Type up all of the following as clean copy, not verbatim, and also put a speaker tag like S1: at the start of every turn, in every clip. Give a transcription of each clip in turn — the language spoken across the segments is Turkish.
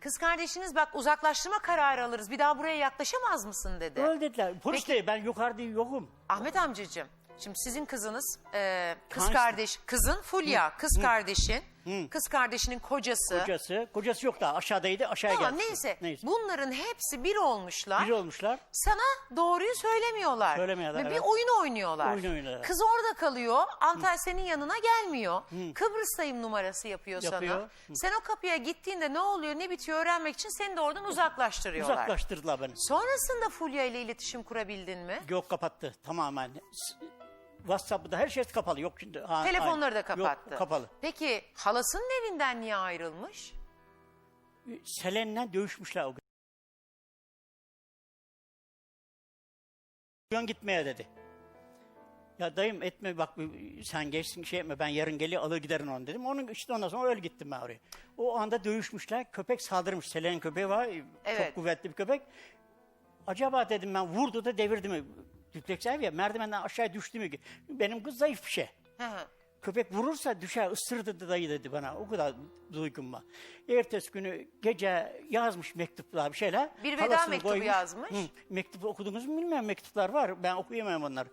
S1: kız kardeşiniz bak uzaklaştırma kararı alırız. Bir daha buraya yaklaşamaz mısın dedi.
S2: Öyle dediler. Polis değil, ben yukarıda yokum.
S1: Ahmet amcacığım, şimdi sizin kızınız, kız
S2: Hangisi?
S1: kardeş, kızın Fulya, kız kardeşin, kız kardeşinin kocası.
S2: Kocası yok daha, aşağıdaydı, aşağıya
S1: Tamam
S2: geldi.
S1: neyse, bunların hepsi bir olmuşlar.
S2: Bir olmuşlar.
S1: Sana doğruyu söylemiyorlar.
S2: Söylemiyorlar,
S1: Ve
S2: evet.
S1: bir oyun oynuyorlar.
S2: Oyun oynuyorlar.
S1: Kız orada kalıyor, Antalya senin yanına gelmiyor. Kıbrıs'tayım numarası yapıyor sana.
S2: Yapıyor.
S1: Sen o kapıya gittiğinde ne oluyor, ne bitiyor öğrenmek için seni de oradan uzaklaştırıyorlar.
S2: Uzaklaştırdılar beni.
S1: Sonrasında Fulya ile iletişim kurabildin mi?
S2: Yok, kapattı tamamen. WhatsApp'ta her şey kapalı. Yok şimdi.
S1: Telefonları da kapattı.
S2: Yok, kapalı.
S1: Peki halasının evinden niye ayrılmış?
S2: Selen'le dövüşmüşler o gün. Gitmeye dedi. Ya dayım etme bak, sen geçsin şey etme, ben yarın geliyor alır giderim onu dedim. Onun işte ondan sonra öyle gittim ben oraya. O anda dövüşmüşler, köpek saldırmış. Selen'in köpeği var,
S1: Evet.
S2: çok kuvvetli bir köpek. Acaba dedim ben, vurdu da devirdi mi? Düpleks ev ya, merdivenden aşağıya düştü mü? Benim kız zayıf bir şey.
S1: Hı hı.
S2: Köpek vurursa düşer, ısırdı dayı dedi bana. O kadar duygum var. Ertesi günü gece yazmış mektuplar, bir şeyler.
S1: Bir veda
S2: Halasını
S1: mektubu yazmış.
S2: Mektubu okudunuz mu bilmiyorum, mektuplar var. Ben okuyamam onları.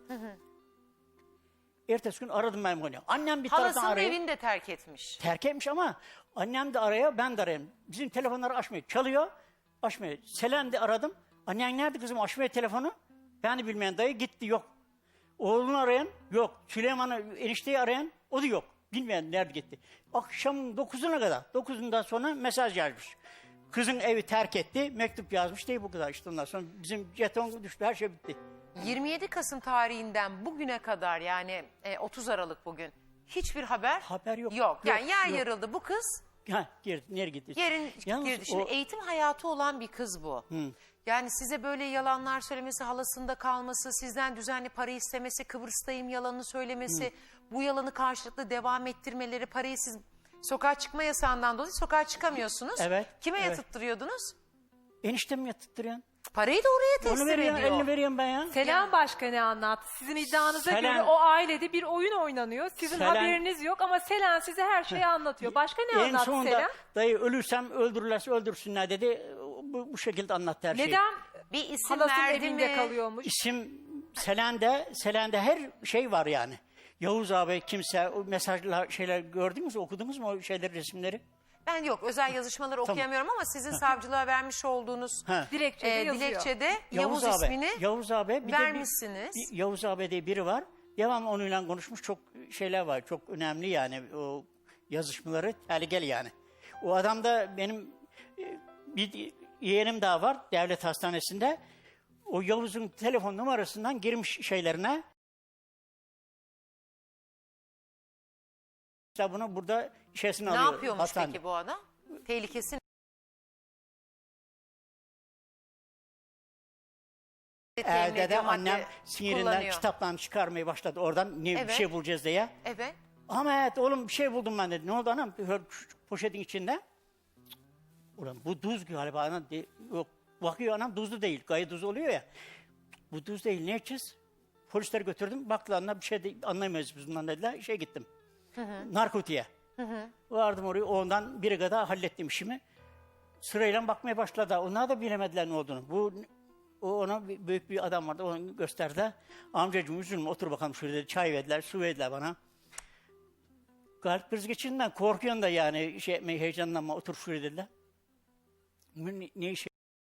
S2: Ertesi gün aradım ben onu. Annem bir taraftan
S1: Halasının
S2: arıyor.
S1: evini de terk etmiş.
S2: Terk etmiş ama annem de arıyor, ben de arıyorum. Bizim telefonları açmıyor. Çalıyor, açmıyor. Selen de aradım. Annen nerede kızım, açmıyor telefonu. Ben de bilmeyen dayı gitti, yok. Oğlunu arayan yok. Süleyman'ı, enişteyi arayan o da yok. Bilmeyen nerede gitti. Akşam 9'una kadar. 9'undan sonra mesaj yazmış. Kızın evi terk etti. Mektup yazmış değil, bu kadar işte ondan sonra. Bizim jeton düştü, her şey bitti.
S1: 27 Kasım tarihinden bugüne kadar yani 30 Aralık bugün hiçbir haber
S2: yok.
S1: Yok. Yani
S2: Yok,
S1: yer
S2: yok.
S1: yarıldı bu kız.
S2: Ha, girdi, nereye gitti?
S1: Yerin
S2: Yalnız
S1: girdi. Şimdi
S2: o-
S1: eğitim hayatı olan bir kız bu. Yani size böyle yalanlar söylemesi, halasında kalması, sizden düzenli para istemesi, Kıbrıs'tayım yalanını söylemesi, bu yalanı karşılıklı devam ettirmeleri, parayı siz sokağa çıkma yasağından dolayı sokağa çıkamıyorsunuz.
S2: Evet,
S1: Kime
S2: evet.
S1: yatırttırıyordunuz?
S2: Eniştem yatırttırıyorsun.
S1: Parayı da oraya
S2: Onu
S1: teslim
S2: veriyorsun,
S1: ediyor.
S2: elini veriyorum ben ya.
S3: Selen başka ne anlattı? Sizin iddianıza
S2: Selen-
S3: göre o ailede bir oyun oynanıyor. Sizin
S2: Selen-
S3: haberiniz yok ama Selen size her şeyi anlatıyor. Başka ne
S2: En
S3: anlattı
S2: sonunda
S3: Selen?
S2: dayı ölürsem öldürürlerse öldürsünler dedi. Bu şekilde anlattı her şeyi.
S3: Neden
S1: Bir isim
S3: halasının
S1: verdi
S3: evinde
S1: mi?
S3: kalıyormuş?
S2: İsim Selen'de her şey var yani. Yavuz abi kimse, o mesajlar şeyler gördünüz mü, okudunuz mu o şeyleri, resimleri?
S1: Ben yok özel yazışmaları okuyamıyorum ama sizin savcılığa vermiş olduğunuz
S2: Ha.
S3: Dilekçede yazıyor.
S1: dilekçede Yavuz ismini
S2: Yavuz abi bir de
S1: vermişsiniz.
S2: Yavuz abi diye biri var. Devamlı onunla konuşmuş, çok şeyler var. Çok önemli yani o yazışmaları, gel yani. O adam da benim bir yeğenim daha var devlet hastanesinde. O Yavuz'un telefon numarasından girmiş şeylerine. İşte bunu burada işesini
S1: Ne
S2: alıyor.
S1: yapıyormuş
S2: hastanede.
S1: peki bu adam? Tehlikesi temin
S2: Evde de
S1: ediyor, madde
S2: annem sinirinden
S1: kullanıyor.
S2: kitaplarını çıkarmaya başladı oradan, bir
S1: Evet.
S2: şey bulacağız diye.
S1: Evet.
S2: Ahmet oğlum bir şey buldum ben dedi. Ne oldu anam? Şu poşetin içinde. Ulan bu tuz galiba anam. Yok. Bakıyor anam, tuzlu değil. Gayet tuz oluyor ya. Bu tuz değil, ne yapacağız? Polisleri götürdüm. Baktılar anam, bir şey de anlayamayız biz bundan dediler. Gittim. Narkotiğe. Vardım oraya. Ondan biri kadar hallettim işimi. Sırayla bakmaya başladı. Onlar da bilemediler ne olduğunu. Ona büyük bir adam vardı. Onu gösterdi. Amcacığım üzülme, otur bakalım şurada dedi. Çay verdiler, su verdiler bana. Kalp krizi geçirdiğinden korkuyorsun da yani heyecanlanma, otur şuraya dediler. Ne işe?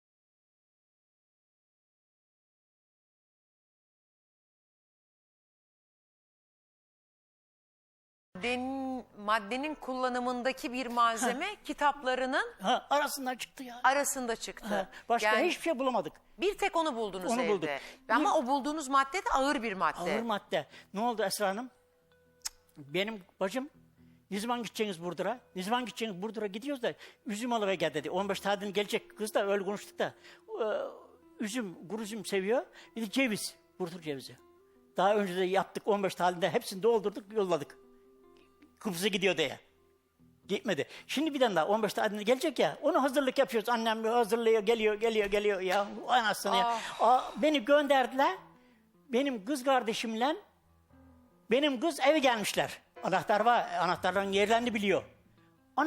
S1: Maddenin kullanımındaki bir malzeme kitaplarının
S2: Arasından çıktı ya.
S1: arasında çıktı.
S2: Başka
S1: Yani
S2: hiçbir şey bulamadık.
S1: bir tek onu buldunuz
S2: Onu
S1: evde.
S2: bulduk.
S1: Ama o bulduğunuz madde de ağır bir madde.
S2: Ağır madde. Ne oldu Esra Hanım? Benim bacım, ne zaman gideceksiniz Burdur'a? Ne zaman gideceksiniz Burdur'a? Gidiyoruz da üzüm alıver gel dedi. 15 tadını gelecek kız da öyle konuştuk da. Üzüm, kuru üzüm seviyor. Bir de ceviz, Burdur cevizi. Daha önce de yaptık 15 tadında, hepsini doldurduk, yolladık. Kıbrıs'a gidiyor diye. Gitmedi. Şimdi bir tane daha 15 tadını gelecek ya, onu hazırlık yapıyoruz. Annem hazırlıyor, geliyor ya. Anasını ya. Beni gönderdiler. Benim kız kardeşimle benim kız eve gelmişler. Anahtar var. Anahtarların yerlerini biliyor. Anam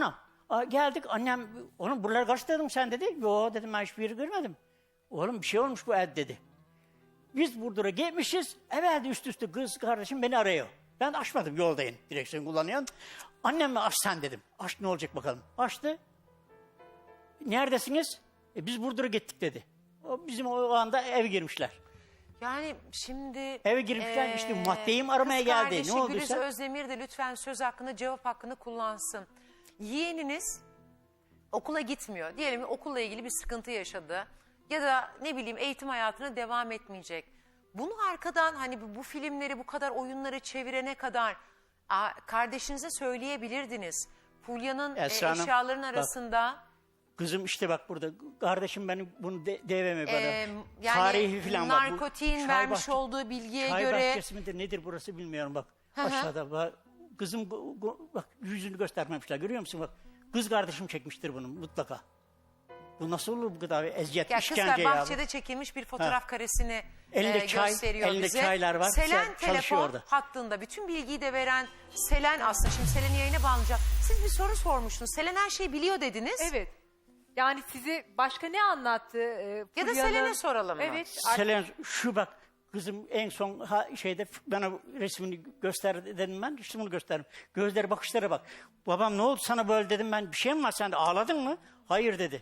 S2: Geldik annem, oğlum buraları karıştırdın sen dedi. Yo dedim, ben hiçbir yeri görmedim. Oğlum bir şey olmuş bu ev dedi. Biz Burdur'a gelmişiz. Evvel üst üste kız kardeşim beni arıyor. Ben de açmadım, yoldayım. Direksiyon kullanıyorum. Anneme aç sen dedim. Aç, ne olacak bakalım. Açtı. Neredesiniz? Biz Burdur'a gittik dedi. Bizim o anda eve girmişler.
S1: Yani şimdi...
S2: Eve girmişler, işte maddeyi mi aramaya
S1: kız
S2: geldi?
S1: kardeşi
S2: Ne olduysa?
S1: Güliz Özdemir de lütfen söz hakkını, cevap hakkını kullansın. Yeğeniniz okula gitmiyor. Diyelim ki okulla ilgili bir sıkıntı yaşadı. Ya da ne bileyim eğitim hayatına devam etmeyecek. Bunu arkadan hani bu filmleri, bu kadar oyunları çevirene kadar kardeşinize söyleyebilirdiniz. Fulya'nın
S2: Esra Hanım,
S1: eşyaların
S2: bak.
S1: arasında...
S2: Kızım işte bak burada. Kardeşim benim bunu deveme bana.
S1: yani
S2: Tarihi falan var. Bu
S1: narkotiğin
S2: çay
S1: vermiş olduğu bilgiye
S2: çay
S1: göre...
S2: bahçesi midir nedir burası bilmiyorum bak.
S1: Hı hı.
S2: Aşağıda bak. Kızım bak yüzünü göstermemişler, görüyor musun bak. Kız kardeşim çekmiştir bunu mutlaka. Bu nasıl olur bu kadar eziyet,
S1: Ya
S2: işkence
S1: kızlar
S2: ya.
S1: bahçede çekilmiş bir fotoğraf karesini
S2: Elinde çay,
S1: gösteriyor
S2: elinde
S1: bize.
S2: çaylar var.
S1: Selen
S2: Çalışıyor
S1: telefon
S2: orada.
S1: hattında bütün bilgiyi de veren Selen aslında. Şimdi Selen'i yayına bağlayacağım. Siz bir soru sormuştunuz. Selen her şeyi biliyor dediniz.
S3: Evet. Yani sizi başka ne anlattı?
S1: Ya da
S3: Fulya'nın-
S1: Selen'e soralım mı?
S3: Evet.
S2: Selen şu bak kızım en son şeyde bana resmini göster dedim ben. İşte bunu gösterdim. Gözleri bakışlara bak. Babam ne oldu sana böyle dedim ben. Bir şey mi var sende, ağladın mı? Hayır dedi.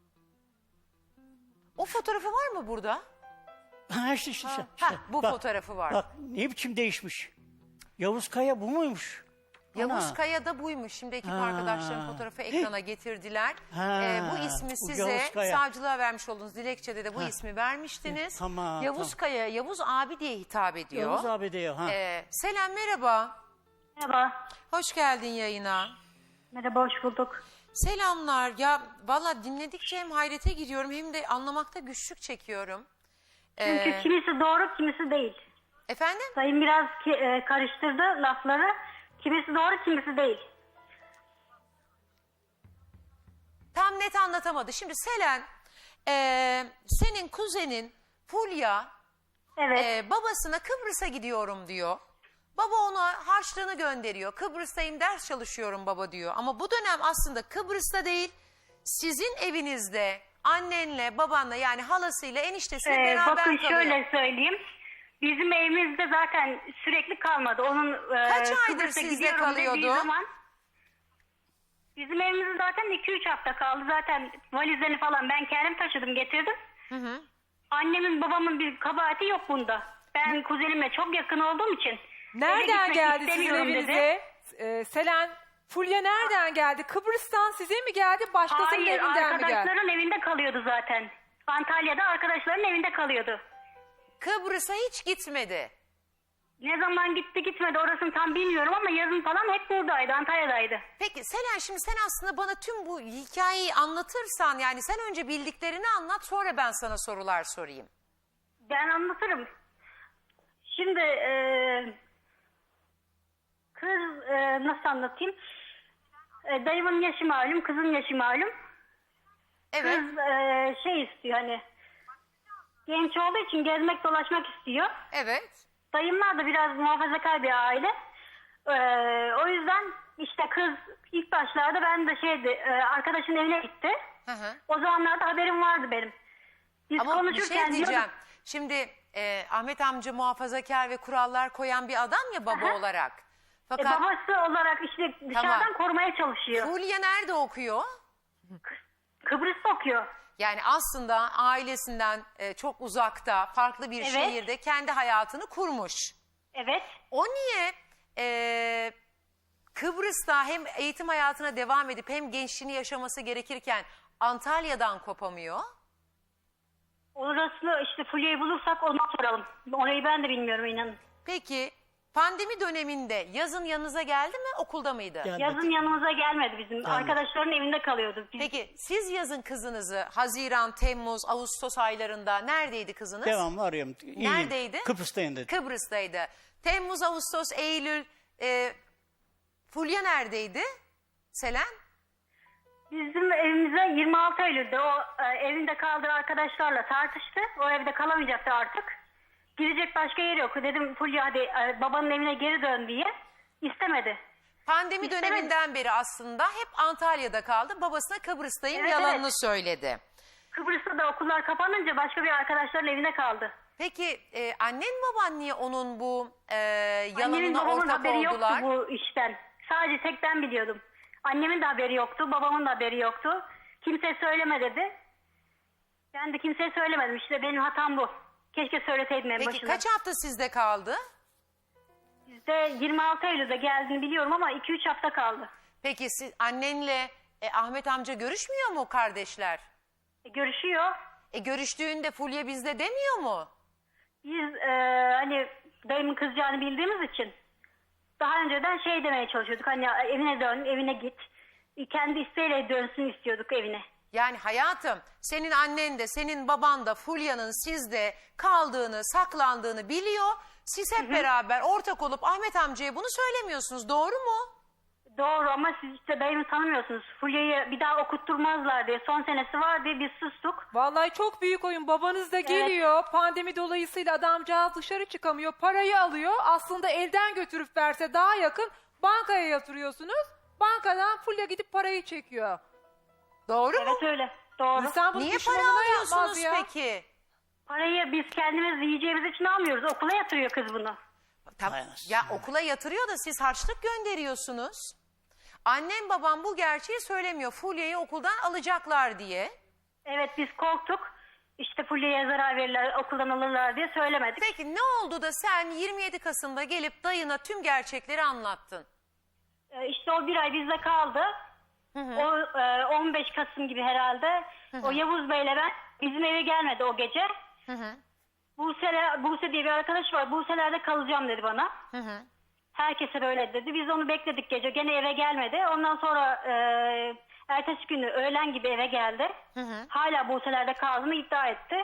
S1: O fotoğrafı var mı burada?
S2: Ha işte.
S1: Bu fotoğrafı var.
S2: Bak ne biçim değişmiş. Yavuz Kaya bu muymuş?
S1: Yavuz
S2: Ana.
S1: Kaya da buymuş. Şimdi ekip
S2: Ha.
S1: arkadaşlarım fotoğrafı ekrana getirdiler.
S2: Ha.
S1: Bu ismi
S2: Bu
S1: size
S2: Yavuz Kaya.
S1: savcılığa vermiş olduğunuz dilekçede de bu ismi vermiştiniz.
S2: Tamam,
S1: Yavuz
S2: tamam.
S1: Kaya, Yavuz abi diye hitap ediyor.
S2: Yavuz abi diyor. Ha.
S1: Selen merhaba.
S4: Merhaba.
S1: Hoş geldin yayına.
S4: Merhaba, hoş bulduk.
S1: Selamlar. Ya valla dinledikçe hem hayrete giriyorum hem de anlamakta güçlük çekiyorum.
S4: Çünkü kimisi doğru, kimisi değil.
S1: Efendim?
S4: Sayın biraz karıştırdı lafları. Kimisi doğru, kimisi değil.
S1: Tam net anlatamadı. Şimdi Selen, senin kuzenin Fulya
S4: Evet.
S1: babasına Kıbrıs'a gidiyorum diyor. Baba ona harçlığını gönderiyor. Kıbrıs'tayım, ders çalışıyorum baba diyor. Ama bu dönem aslında Kıbrıs'ta değil, sizin evinizde annenle, babanla yani halasıyla, eniştesiyle beraber
S4: Bakın
S1: kalıyor.
S4: şöyle söyleyeyim. Bizim evimizde zaten sürekli kalmadı. Onun
S1: Kaç aydır
S4: Kıbrıs'a
S1: sizde
S4: gidiyorum
S1: kalıyordu?
S4: dediği zaman bizim evimizde zaten 2-3 hafta kaldı. Zaten valizlerini falan ben kendim taşıdım, getirdim. Annemin babamın bir kabahati yok bunda. Ben kuzenimle çok yakın olduğum için eve
S3: Nereden
S4: gitmek
S3: geldi sizin
S4: istemiyorum dedi.
S3: evinize? Selen, Fulya nereden geldi? Kıbrıs'tan size mi geldi? Başkasının
S4: Hayır,
S3: evinden mi geldi?
S4: arkadaşların evinde kalıyordu zaten. Antalya'da arkadaşların evinde kalıyordu.
S1: Kıbrıs'a hiç gitmedi.
S4: Ne zaman gitti gitmedi orasını tam bilmiyorum ama yazın falan hep buradaydı, Antalya'daydı.
S1: Peki Selen, şimdi sen aslında bana tüm bu hikayeyi anlatırsan, yani sen önce bildiklerini anlat, sonra ben sana sorular sorayım.
S4: Ben anlatırım. Şimdi kız nasıl anlatayım? Dayımın yaşı malum, kızın yaşı malum.
S1: Evet.
S4: Kız şey istiyor hani genç olduğu için gezmek dolaşmak istiyor.
S1: Evet.
S4: Dayımlar da biraz muhafazakar bir aile. O yüzden işte kız ilk başlarda ben de arkadaşın evine gitti.
S1: Hı hı.
S4: O zamanlarda haberim vardı benim. Biz
S1: Ama bir
S4: konuşurken
S1: şey diyeceğim.
S4: diyorduk,
S1: Şimdi Ahmet amca muhafazakar ve kurallar koyan bir adam ya baba
S4: Aha.
S1: olarak. Fakat
S4: babası olarak işte dışarıdan
S1: Tamam.
S4: korumaya çalışıyor.
S1: Fulya nerede okuyor?
S4: Kıbrıs'ta okuyor.
S1: Yani aslında ailesinden çok uzakta, farklı bir
S4: Evet.
S1: şehirde kendi hayatını kurmuş.
S4: Evet.
S1: O niye Kıbrıs'ta hem eğitim hayatına devam edip hem gençliğini yaşaması gerekirken Antalya'dan kopamıyor?
S4: Orası işte Fulya'yı bulursak ona soralım. Orayı ben de bilmiyorum inanın.
S1: Peki pandemi döneminde yazın yanınıza geldi mi, okulda mıydı?
S2: Gelmedi.
S4: Yazın yanımıza gelmedi bizim. Arkadaşların evinde kalıyordu.
S1: Peki siz yazın kızınızı Haziran, Temmuz, Ağustos aylarında neredeydi kızınız?
S2: Devamlı arıyorum. İyiyim.
S1: Neredeydi?
S2: Kıbrıs'tayım dedi.
S1: Kıbrıs'taydı. Temmuz, Ağustos, Eylül, Fulya neredeydi? Selen?
S4: Bizim evimize 26 Eylül'de o evinde kaldığı arkadaşlarla tartıştı. O evde kalamayacaktı artık. Gidecek başka yeri yok. Dedim Fulya hadi babanın evine geri dön diye. İstemedi.
S1: Pandemi
S4: İstemedi.
S1: döneminden beri aslında hep Antalya'da kaldı. Babasına Kıbrıs'tayım
S4: Evet,
S1: yalanını
S4: evet.
S1: söyledi.
S4: Kıbrıs'ta da okullar kapanınca başka bir arkadaşların evinde kaldı.
S1: Peki annen baban niye onun bu
S4: Annemin
S1: yalanına
S4: babamın
S1: ortak
S4: haberi
S1: oldular?
S4: yoktu bu işten. Sadece tek ben biliyordum. Annemin de haberi yoktu, babamın da haberi yoktu. Kimse söyleme dedi. Ben de kimseye söylemedim. İşte benim hatam bu. Keşke söyleseydim en
S1: Peki
S4: başında.
S1: kaç hafta sizde kaldı?
S4: Bizde 26 Eylül'de geldiğini biliyorum ama 2-3 hafta kaldı.
S1: Peki siz annenle Ahmet amca görüşmüyor mu kardeşler?
S4: Görüşüyor.
S1: Görüştüğünde Fulya bizde demiyor mu?
S4: Biz hani dayımın kızacağını bildiğimiz için daha önceden şey demeye çalışıyorduk. Hani evine dön, evine git. Kendi isteğiyle dönsün istiyorduk evine.
S1: Yani hayatım senin annen de senin baban da Fulya'nın sizde kaldığını, saklandığını biliyor. Siz hep beraber ortak olup Ahmet amcaya bunu söylemiyorsunuz. Doğru mu?
S4: Doğru ama siz işte dayımı tanımıyorsunuz. Fulya'yı bir daha okutturmazlar diye son senesi var diye biz sustuk.
S3: Vallahi çok büyük oyun. Babanız da geliyor. Pandemi dolayısıyla adamcağız dışarı çıkamıyor. Parayı alıyor. Aslında elden götürüp verse daha yakın. Bankaya yatırıyorsunuz. Bankadan Fulya gidip parayı çekiyor.
S1: Doğru mu?
S4: Evet öyle. Doğru.
S3: İnsan bunu
S1: Niye para
S3: düşmanına yapmaz
S1: alıyorsunuz
S3: ya.
S1: peki?
S4: Parayı biz kendimiz yiyeceğimiz için almıyoruz. Okula yatırıyor kız bunu.
S1: Tamam. Ya okula yatırıyor da siz harçlık gönderiyorsunuz. Annem babam bu gerçeği söylemiyor. Fulya'yı okuldan alacaklar diye.
S4: Evet biz korktuk. İşte Fulya'ya zarar verirler, okuldan alırlar diye söylemedik.
S1: Peki ne oldu da sen 27 Kasım'da gelip dayına tüm gerçekleri anlattın?
S4: İşte o bir ay bizde kaldı. O 15 Kasım gibi herhalde. O Yavuz Bey'le ben bizim eve gelmedi o gece. Buse diye bir arkadaş var. Buse'lerde kalacağım dedi bana. Herkese böyle dedi. Biz onu bekledik gece. Gene eve gelmedi. Ondan sonra ertesi günü öğlen gibi eve geldi. Hala Buse'lerde kaldığını iddia etti.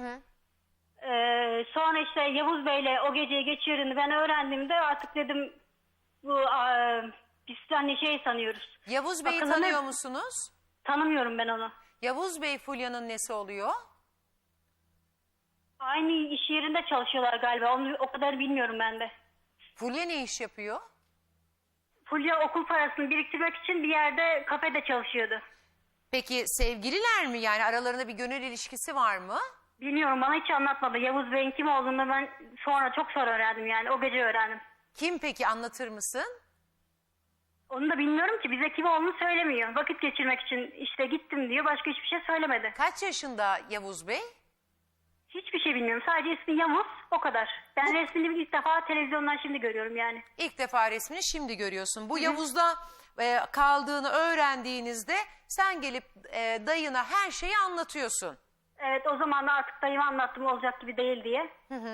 S4: Sonra işte Yavuz Bey'le o geceyi geçirdiğini ben öğrendiğimde artık dedim bu biz hani şey sanıyoruz.
S1: Yavuz Bey'i
S4: Akıllı
S1: tanıyor
S4: ne-
S1: musunuz?
S4: Tanımıyorum ben onu.
S1: Yavuz Bey Fulya'nın nesi oluyor?
S4: Aynı iş yerinde çalışıyorlar galiba. Onu o kadar bilmiyorum ben de.
S1: Fulya ne iş yapıyor?
S4: Fulya okul parasını biriktirmek için bir yerde kafede çalışıyordu.
S1: Peki sevgililer mi? Yani aralarında bir gönül ilişkisi var mı?
S4: Bilmiyorum bana hiç anlatmadı. Yavuz Bey'in kim olduğunu ben çok sonra öğrendim yani. O gece öğrendim.
S1: Kim peki anlatır mısın?
S4: Onu da bilmiyorum ki bize kim olduğunu söylemiyor. Vakit geçirmek için işte gittim diyor. Başka hiçbir şey söylemedi.
S1: Kaç yaşında Yavuz Bey?
S4: Hiçbir şey bilmiyorum. Sadece ismi Yavuz o kadar. Ben resmini ilk defa televizyondan şimdi görüyorum yani.
S1: İlk defa resmini şimdi görüyorsun. Bu Yavuz'da kaldığını öğrendiğinizde sen gelip dayına her şeyi anlatıyorsun.
S4: Evet o zaman da artık dayıma anlattım olacak gibi değil diye.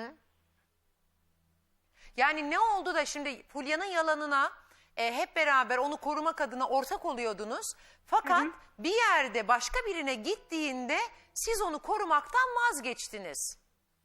S1: Yani ne oldu da şimdi Fulya'nın yalanına hep beraber onu korumak adına ortak oluyordunuz. Fakat bir yerde başka birine gittiğinde siz onu korumaktan vazgeçtiniz.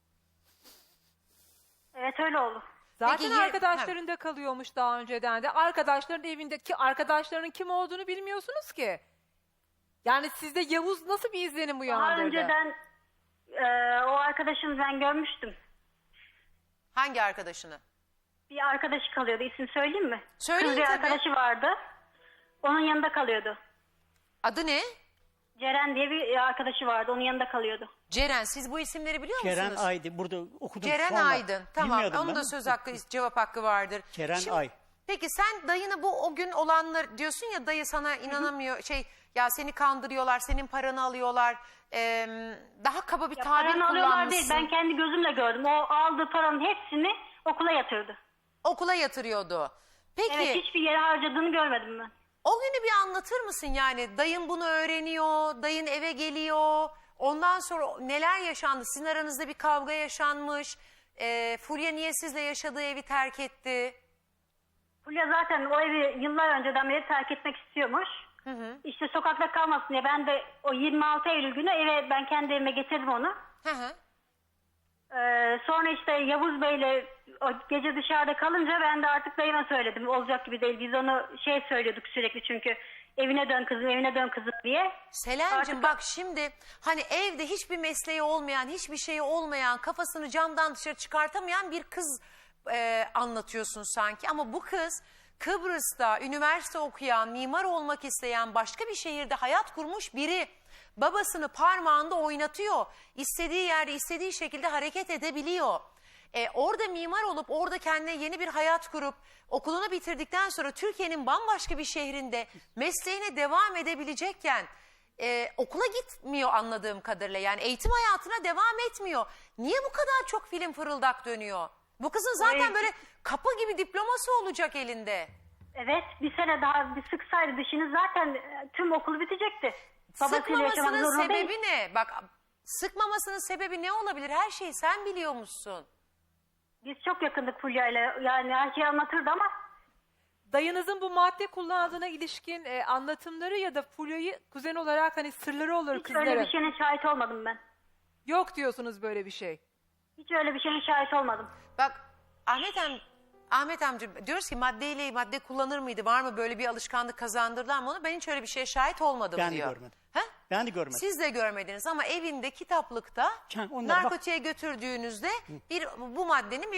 S4: Evet öyle oldu.
S3: Zaten
S1: Peki,
S3: arkadaşlarında kalıyormuş daha önceden de. Arkadaşların evindeki arkadaşlarının kim olduğunu bilmiyorsunuz ki. Yani sizde Yavuz nasıl bir izlenim
S4: Daha
S3: uyandırdı?
S4: önceden o arkadaşını ben görmüştüm.
S1: Hangi arkadaşını?
S4: Bir arkadaşı kalıyordu. İsim söyleyeyim mi?
S1: Söyleyin
S4: Kız bir
S1: tabii.
S4: arkadaşı vardı. Onun yanında kalıyordu.
S1: Adı ne?
S4: Ceren diye bir arkadaşı vardı. Onun yanında kalıyordu.
S1: Ceren. Siz bu isimleri biliyor
S2: Ceren
S1: musunuz?
S2: Aydın burada okudum
S1: Ceren
S2: sonra.
S1: Aydın. Tamam.
S2: Bilmiyordum
S1: Onun
S2: ben.
S1: da söz hakkı, cevap hakkı vardır.
S2: Ceren Ay.
S1: Peki sen dayına bu o gün olanlar diyorsun ya dayı sana inanamıyor. Ya seni kandırıyorlar, senin paranı alıyorlar. Daha kaba bir tabir
S4: Paranı alıyorlar
S1: kullanmışsın.
S4: değil. Ben kendi gözümle gördüm. O aldığı paranın hepsini okula yatırdı.
S1: Okula yatırıyordu. Peki
S4: Evet hiçbir yere harcadığını görmedim ben.
S1: o günü bir anlatır mısın yani? Dayın bunu öğreniyor, dayın eve geliyor. Ondan sonra neler yaşandı? Sizin aranızda bir kavga yaşanmış. Fulya niye sizle yaşadığı evi terk etti?
S4: Fulya zaten o evi yıllar önceden beri terk etmek istiyormuş. İşte sokakta kalmasın diye ben de o 26 Eylül günü eve ben kendi evime getirdim onu.
S1: Hı hı.
S4: Sonra işte Yavuz Bey'le o gece dışarıda kalınca ben de artık dayıma söyledim. Olacak gibi değil. Biz onu söylüyorduk sürekli çünkü evine dön kızım, evine dön kızım diye.
S1: Selen'cim
S4: Artık-
S1: bak şimdi hani evde hiçbir mesleği olmayan, hiçbir şeyi olmayan, kafasını camdan dışarı çıkartamayan bir kız anlatıyorsun sanki. Ama bu kız Kıbrıs'ta üniversite okuyan, mimar olmak isteyen, başka bir şehirde hayat kurmuş biri babasını parmağında oynatıyor. İstediği yerde, istediği şekilde hareket edebiliyor. Orada mimar olup orada kendine yeni bir hayat kurup okulunu bitirdikten sonra Türkiye'nin bambaşka bir şehrinde mesleğine devam edebilecekken okula gitmiyor anladığım kadarıyla. Yani eğitim hayatına devam etmiyor. Niye bu kadar çok film fırıldak dönüyor? Bu kızın zaten
S4: Evet.
S1: böyle kapı gibi diploması olacak elinde.
S4: Evet, bir sene daha bir sıksaydı dişini zaten tüm okul bitecekti. Babasıyla yaşamak
S1: Sıkmamasının
S4: zorunda değil.
S1: sebebi ne? Bak, sıkmamasının sebebi ne olabilir? Her şeyi sen biliyormuşsun.
S4: Biz çok yakındık Fulya'yla. Yani her şeyi anlatırdı ama
S3: Dayınızın bu madde kullandığına ilişkin anlatımları ya da Fulya'yı kuzen olarak hani sırları olur
S4: hiç öyle
S3: kızların.
S4: bir şeyine şahit olmadım ben.
S3: Yok diyorsunuz böyle bir şey.
S4: Hiç öyle bir şeyine şahit olmadım.
S1: Bak Ahmet amca diyoruz ki madde kullanır mıydı? Var mı böyle bir alışkanlık kazandırdılar mı onu? Ben hiç öyle bir şeye şahit olmadım
S2: Ben de
S1: diyor.
S2: görmedim.
S1: He?
S2: Ben de görmedim.
S1: Siz de görmediniz ama evinde kitaplıkta
S2: Onlara bak.
S1: narkotiğe götürdüğünüzde bu maddenin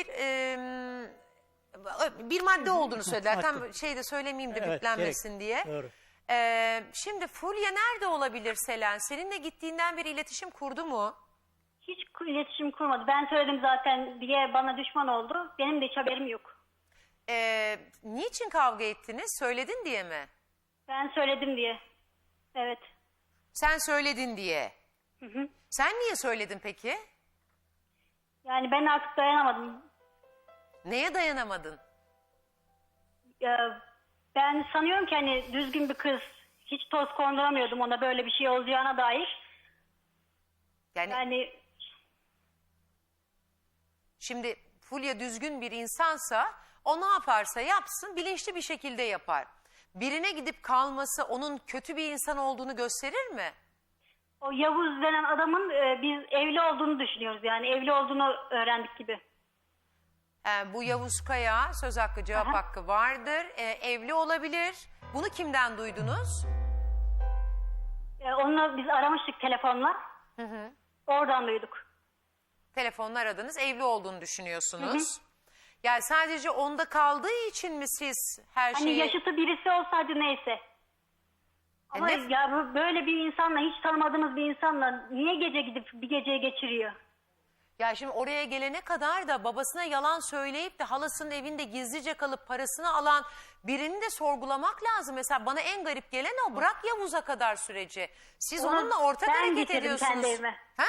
S1: bir madde olduğunu söylediler. Tam
S2: Madde.
S1: şeyde söylemeyeyim de
S2: Evet,
S1: biplenmesin diye.
S2: Doğru.
S1: Şimdi Fulya nerede olabilir Selen? Seninle gittiğinden beri iletişim kurdu mu?
S4: Hiç iletişim kurmadı. Ben söyledim zaten diye bana düşman oldu. Benim de hiç haberim yok.
S1: Niçin kavga ettiniz? Söyledin diye mi?
S4: Ben söyledim diye. Evet.
S1: Sen söyledin diye.
S4: Hı.
S1: Sen niye söyledin peki?
S4: Yani ben artık dayanamadım.
S1: Neye dayanamadın?
S4: Ben sanıyorum ki hani düzgün bir kız. Hiç toz konduramıyordum ona böyle bir şey olacağına dair. Yani
S1: Şimdi Fulya düzgün bir insansa o ne yaparsa yapsın bilinçli bir şekilde yapar. Birine gidip kalması onun kötü bir insan olduğunu gösterir mi?
S4: o Yavuz denen adamın biz evli olduğunu düşünüyoruz. Yani evli olduğunu öğrendik gibi.
S1: Bu Yavuz Kaya söz hakkı cevap
S4: Aha.
S1: hakkı vardır. Evli olabilir. Bunu kimden duydunuz?
S4: Onunla biz aramıştık telefonla. Oradan duyduk.
S1: Telefonla aradınız, evli olduğunu düşünüyorsunuz. Yani sadece onda kaldığı için mi siz her
S4: Hani
S1: şeyi...
S4: yaşıtı birisi olsaydı neyse. Ama
S1: ne-
S4: ya böyle bir insanla, hiç tanımadığımız bir insanla niye gece gidip bir geceyi geçiriyor?
S1: Ya şimdi oraya gelene kadar da babasına yalan söyleyip de halasının evinde gizlice kalıp parasını alan birini de sorgulamak lazım. Mesela bana en garip gelen o. Bırak Yavuz'a kadar süreci. Siz
S4: Onu
S1: onunla ortak
S4: ben
S1: hareket
S4: getirdim
S1: ediyorsunuz.
S4: kendi evime.
S1: Ha?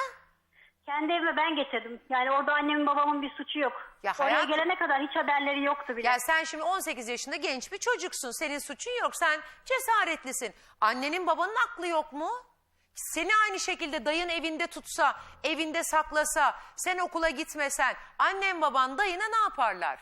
S4: Kendi evime ben getirdim. Yani orada annemin babamın bir suçu yok.
S1: Ya
S4: Oraya
S1: hayatım-
S4: gelene kadar hiç haberleri yoktu bile.
S1: Ya sen şimdi 18 yaşında genç bir çocuksun. Senin suçun yok. Sen cesaretlisin. Annenin babanın aklı yok mu? Seni aynı şekilde dayın evinde tutsa, evinde saklasa, sen okula gitmesen, annen baban dayına ne yaparlar?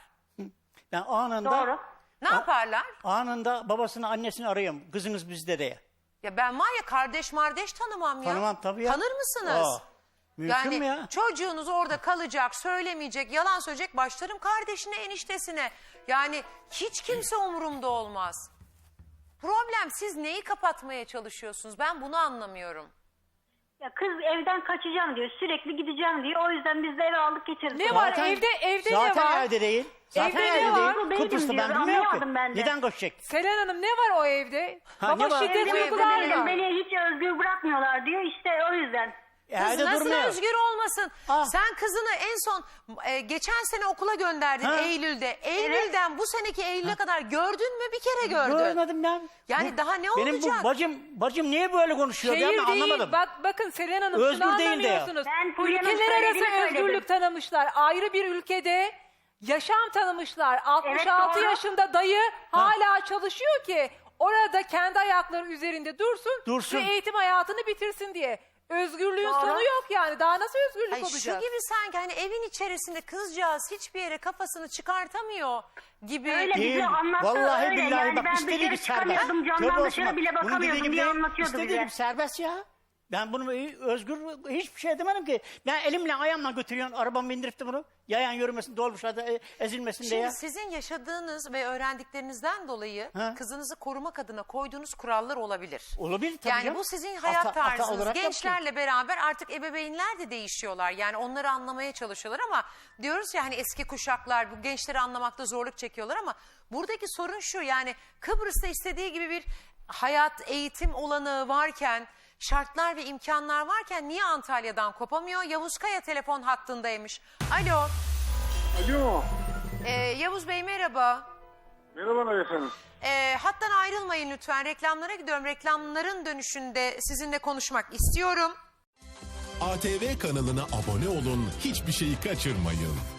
S2: Ben anında
S4: Doğru.
S1: Ne yaparlar?
S2: anında babasını annesini arıyorum. Kızınız bizde diye.
S1: Ya ben var ya kardeş tanımam ya.
S2: Tanımam tabii ya.
S1: Tanır mısınız?
S2: Mümkün
S1: Yani
S2: mü ya?
S1: çocuğunuz orada kalacak, söylemeyecek, yalan söyleyecek, başlarım kardeşine, eniştesine. Yani hiç kimse umurumda olmaz. Problem siz neyi kapatmaya çalışıyorsunuz? Ben bunu anlamıyorum.
S4: Ya kız evden kaçacağım diyor. Sürekli gideceğim diyor. O yüzden biz de eve aldık getirdik.
S3: Ne var? Evde ne
S2: zaten
S3: var?
S2: evde değil. Zaten
S3: Evde ne
S2: evde
S3: var?
S2: değil.
S4: Değilim
S2: Kıbrıs'ta
S4: diyor,
S2: ben bilmiyorum
S4: anlayamadım
S2: ki.
S4: ben de.
S2: Neden kaçacak?
S3: Selen Hanım ne var o evde?
S2: Ha, ne
S3: Baba
S2: var?
S3: şiddet
S1: Evde
S3: uygular
S1: değilim,
S3: mı?
S4: Beni hiç özgür bırakmıyorlar diyor. İşte o yüzden.
S1: Kız
S2: Evde
S1: nasıl
S2: durmuyor.
S1: özgür olmasın?
S2: Ah.
S1: Sen kızını en son geçen sene okula gönderdin
S2: Ha.
S1: Eylül'de. Eylül'den bu seneki Eylül'e kadar gördün mü? Bir kere gördün.
S2: Görmedim ben.
S1: Yani daha ne
S2: Benim
S1: olacak?
S2: bu bacım niye böyle konuşuyor ya ben
S3: Şehir değil.
S2: anlamadım.
S3: Bakın Selen Hanım
S2: Özgür
S3: şunu
S2: değil de ya.
S3: anlamıyorsunuz.
S4: Ben Fulya'nın
S3: Ülkeler arası
S4: söylediğini söyledim.
S3: özgürlük tanımışlar. Ayrı bir ülkede yaşam tanımışlar. 66
S4: doğru.
S3: yaşında dayı hala çalışıyor ki orada kendi ayakları üzerinde dursun ve eğitim hayatını bitirsin diye. Özgürlüğün
S4: Doğru.
S3: sonu yok yani. Daha nasıl özgürlük
S1: Ay
S3: olacak?
S1: şu gibi sanki hani evin içerisinde kızcağız hiçbir yere kafasını çıkartamıyor gibi.
S4: Öyle
S2: Değil.
S4: bize anlattı
S2: Vallahi
S4: öyle.
S2: billahi
S4: Yani
S2: bak
S4: ben
S2: istediği
S4: dışarı
S2: gibi serbest.
S4: çıkamıyordum.
S2: Tövbe
S4: Camdan
S2: olsun
S4: dışarı
S2: bak.
S4: bile
S2: Bunun dediği
S4: bakamıyordum
S2: gibi
S4: diye
S2: değil.
S4: anlatıyordu
S2: İstediği
S4: bize.
S2: gibi serbest ya. Ben bunu özgür hiçbir şey demedim ki. Ben elimle ayağımla götürüyorum, arabamı bindirip de bunu. Yayan yürümesin, dolmuşlarda ezilmesin diye.
S1: Şimdi sizin yaşadığınız ve öğrendiklerinizden dolayı
S2: Ha?
S1: kızınızı korumak adına koyduğunuz kurallar olabilir.
S2: Olabilir tabii
S1: Yani
S2: canım.
S1: bu sizin hayat
S2: Ata
S1: tarzınız.
S2: olarak
S1: Gençlerle beraber artık ebeveynler de değişiyorlar. Yani onları anlamaya çalışıyorlar ama diyoruz ya hani eski kuşaklar bu gençleri anlamakta zorluk çekiyorlar ama buradaki sorun şu, yani Kıbrıs'ta istediği gibi bir hayat, eğitim olanağı varken, şartlar ve imkanlar varken niye Antalya'dan kopamıyor? Yavuz Kaya telefon hattındaymış. Alo.
S5: Alo.
S1: Yavuz Bey merhaba.
S5: Merhabalar efendim.
S1: Hattan ayrılmayın lütfen. Reklamlara gidiyorum. Reklamların dönüşünde sizinle konuşmak istiyorum.
S6: ATV kanalına abone olun, hiçbir şeyi kaçırmayın.